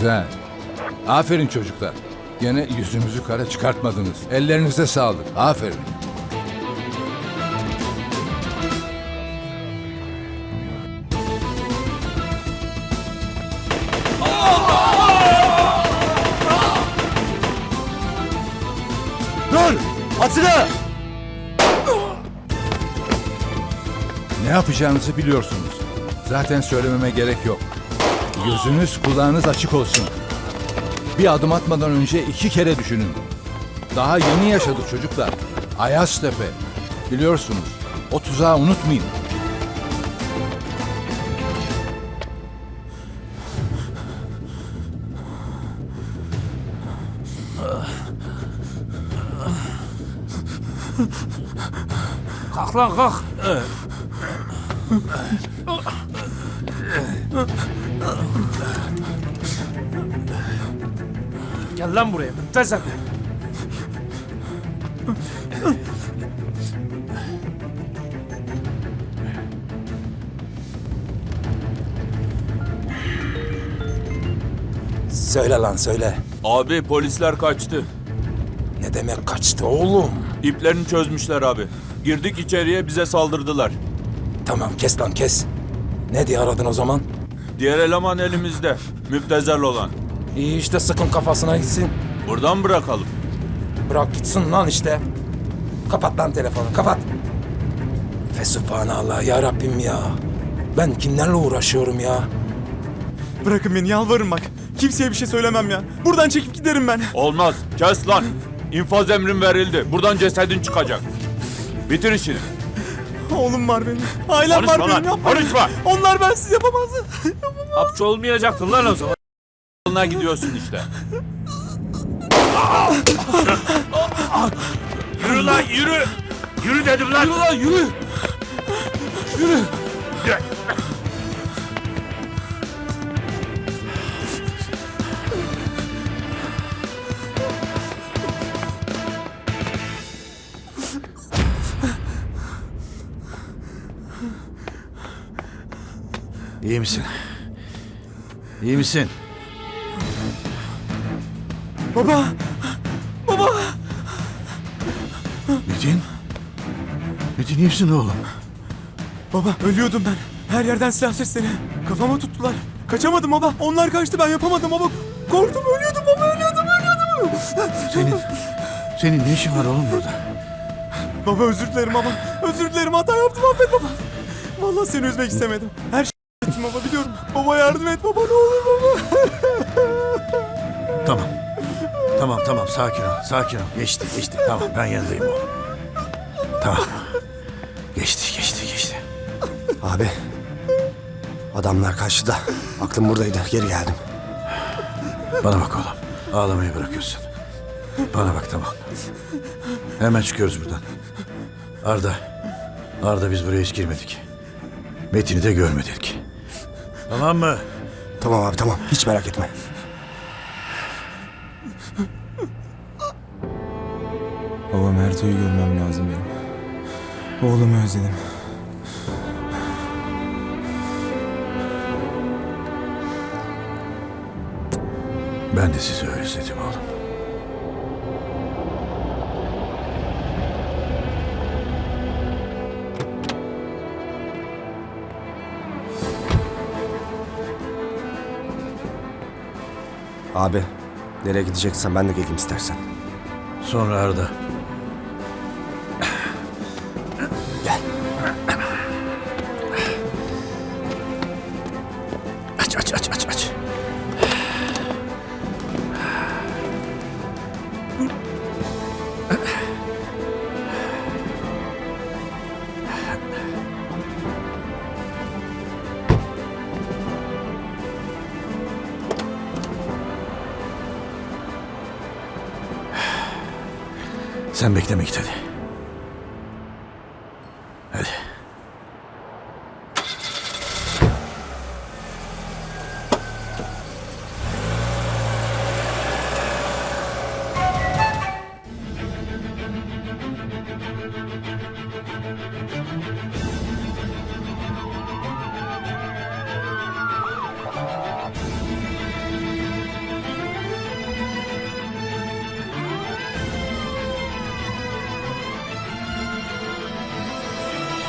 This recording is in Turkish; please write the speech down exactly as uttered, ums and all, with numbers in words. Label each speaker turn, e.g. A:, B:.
A: Güzel. Aferin çocuklar. Gene yüzümüzü kara çıkartmadınız. Ellerinize sağlık. Aferin.
B: Dur! Atilla!
A: Ne yapacağınızı biliyorsunuz. Zaten söylememe gerek yok. Gözünüz kulağınız açık olsun. Bir adım atmadan önce iki kere düşünün. Daha yeni yaşadık çocuklar. Ayaztepe. Biliyorsunuz. O tuzağı unutmayın.
C: Kalk lan kalk. Gel lan buraya. Müptezel.
B: Söyle lan söyle.
D: Abi polisler kaçtı.
B: Ne demek kaçtı oğlum?
D: İplerini çözmüşler abi. Girdik içeriye bize saldırdılar.
B: Tamam kes lan kes. Ne diye aradın o zaman?
D: Diğer eleman elimizde. Müptezel olan.
B: İyi işte sıkın kafasına gitsin.
D: Buradan bırakalım.
B: Bırak gitsin lan işte. Kapat lan telefonu kapat. Fesubhanallah ya Rabbim ya. Ben kimlerle uğraşıyorum ya?
E: Bırakın beni yalvarırım bak. Kimseye bir şey söylemem ya. Buradan çekip giderim ben.
D: Olmaz. Kes lan. İnfaz emrin verildi. Buradan cesedin çıkacak. Bitir işini.
E: Oğlum var benim. Ailem
D: Konuşma
E: var
D: lan,
E: benim yapmayın.
D: konuşma.
E: Onlar bensiz yapamaz.
C: Hapçı olmayacaktın lan o zaman.
D: Yoluna gidiyorsun işte.
C: Yürü lan yürü. Yürü dedim lan. Yürü lan yürü. Yürü.
F: İyi misin? İyi misin?
E: Baba. Baba.
F: Metin? Metin iyi misin oğlum?
E: Baba ölüyordum ben. Her yerden silah sesleri. Kafama tuttular. Kaçamadım baba. Onlar kaçtı ben yapamadım baba. Korktum ölüyordum baba ölüyordum ölüyordum.
F: Senin, senin ne işin var oğlum burada?
E: Baba özür dilerim baba. Özür dilerim hata yaptım affet baba. Vallahi seni üzmek istemedim. Her şey ettim baba biliyorum. Baba yardım et baba ne olur baba.
F: Tamam. Tamam tamam sakin ol sakin ol. Geçti geçti tamam ben yanındayım oğlum. Tamam. Geçti geçti geçti.
G: Abi. Adamlar kaçtı da aklım buradaydı. Geri geldim.
F: Bana bak oğlum. Ağlamayı bırakıyorsun. Bana bak tamam. Hemen çıkıyoruz buradan. Arda. Arda biz buraya hiç girmedik. Metin'i de görmedik. Tamam mı?
G: Tamam abi tamam. Hiç merak etme.
E: Baba Merto'yu görmem lazım benim. Oğlumu özledim.
F: Ben de sizi özledim oğlum.
G: Abi. Nereye gideceksen ben de geleyim istersen.
F: Sonra Arda.
G: Gel.
F: Aç aç aç aç aç. Sen bekle Miktat hadi.